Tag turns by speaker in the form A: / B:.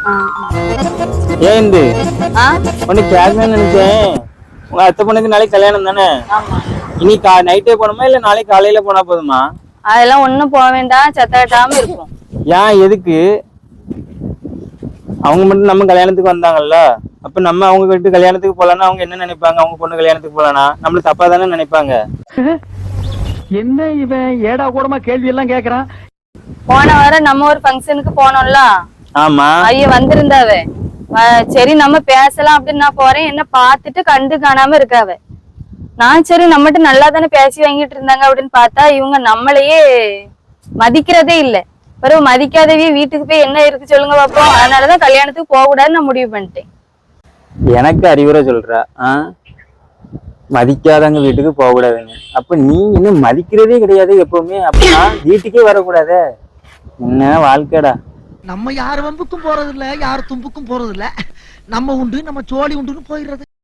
A: ஏன் இந்த
B: ஆ
A: ஒண்ணு கேட்கணும்னு நினைச்சேன். உங்க அத்தை பொண்ணுக்கு நாளைக்கு கல்யாணம் தானே?
B: ஆமா.
A: இனி நைட்டே போகணுமா இல்ல நாளைக்கு காலையில போனா போதுமா?
B: அதெல்லாம் ஒண்ணும் போக வேண்டாம், சத்த கட்டாம இருக்கும்.
A: ஏன் எதுக்கு? அவங்க மட்டும் நம்ம கல்யாணத்துக்கு வந்தாங்கல்ல, அப்ப நம்ம அவங்க வீட்டு கல்யாணத்துக்கு போலான்னா அவங்க என்ன நினைப்பாங்க? அவங்க பொண்ணு கல்யாணத்துக்கு போலானா நம்மள தப்பா தானே நினைப்பாங்க.
C: என்ன இவன் ஏடா கூடமா கேள்வி எல்லாம் கேக்குறான்.
B: போன வாரம் நம்ம ஒரு ஃபங்க்ஷனுக்கு போனோம்ல,
A: ஆமா.
B: ஐய வந்திருந்தாவ. சரி நம்ம பேசலாம் அப்படின்னு நான் போறேன், என்ன பார்த்துட்டு கண்டு காணாம இருக்காவ. நான் சரி நம்மகிட்ட நல்லா தானே பேசி வாங்கிட்டு இருந்தாங்க அப்படின்னு பார்த்தா இவங்க நம்மளையே மதிக்கிறதே இல்லை. பிறகு மதிக்காதவே வீட்டுக்கு போய் என்ன இருக்கு சொல்லுங்க பாப்போம். அதனாலதான் கல்யாணத்துக்கு போக கூடாதுன்னு நான் முடிவு பண்ணிட்டேன்.
A: எனக்கு அறிவுரை சொல்ற? மதிக்காதவங்க வீட்டுக்கு போக கூடாதுங்க. அப்ப நீ இன்னும் மதிக்கிறதே கிடையாது எப்பவுமே. அப்படின்னா வீட்டுக்கே வரக்கூடாது. என்ன வாழ்க்கைடா.
D: நம்ம யார் வம்புக்கும் போறது இல்ல, யார் தும்புக்கும் போறது இல்ல. நம்ம உண்டு நம்ம சோழி உண்டுன்னு போயிடுறது.